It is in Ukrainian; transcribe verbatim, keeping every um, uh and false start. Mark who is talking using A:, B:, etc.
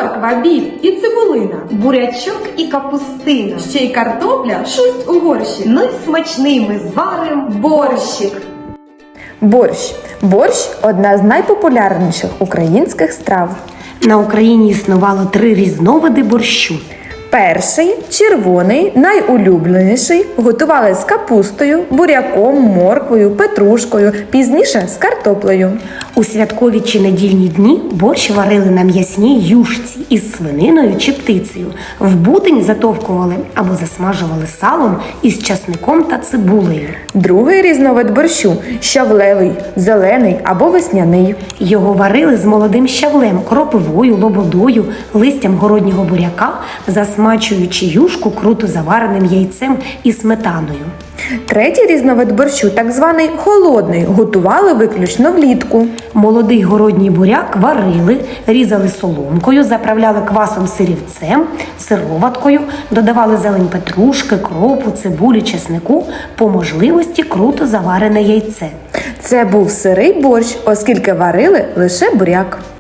A: морква, біб і цибулина, бурячок і капустина, ще й картопля, шусть у горщі. Ну й смачний ми зварим борщик.
B: Борщ. Борщ – одна з найпопулярніших українських страв.
C: На Україні існувало три різновиди борщу.
B: Перший – червоний, найулюбленіший, готували з капустою, буряком, морквою, петрушкою, пізніше з картоплею.
C: У святкові чи недільні дні борщ варили на м'ясній юшці із свининою чи птицею. В бутинь затовкували або засмажували салом із часником та цибулею.
B: Другий різновид борщу – щавлевий, зелений або весняний.
C: Його варили з молодим щавлем, кропивою, лободою, листям городнього буряка, засмачуючи юшку круто завареним яйцем і сметаною.
B: Третій різновид борщу, так званий холодний, готували виключно влітку.
C: Молодий городній буряк варили, різали соломкою, заправляли квасом сирівцем, сироваткою, додавали зелень петрушки, кропу, цибулі, чеснику, по можливості круто заварене яйце.
B: Це був сирий борщ, оскільки варили лише буряк.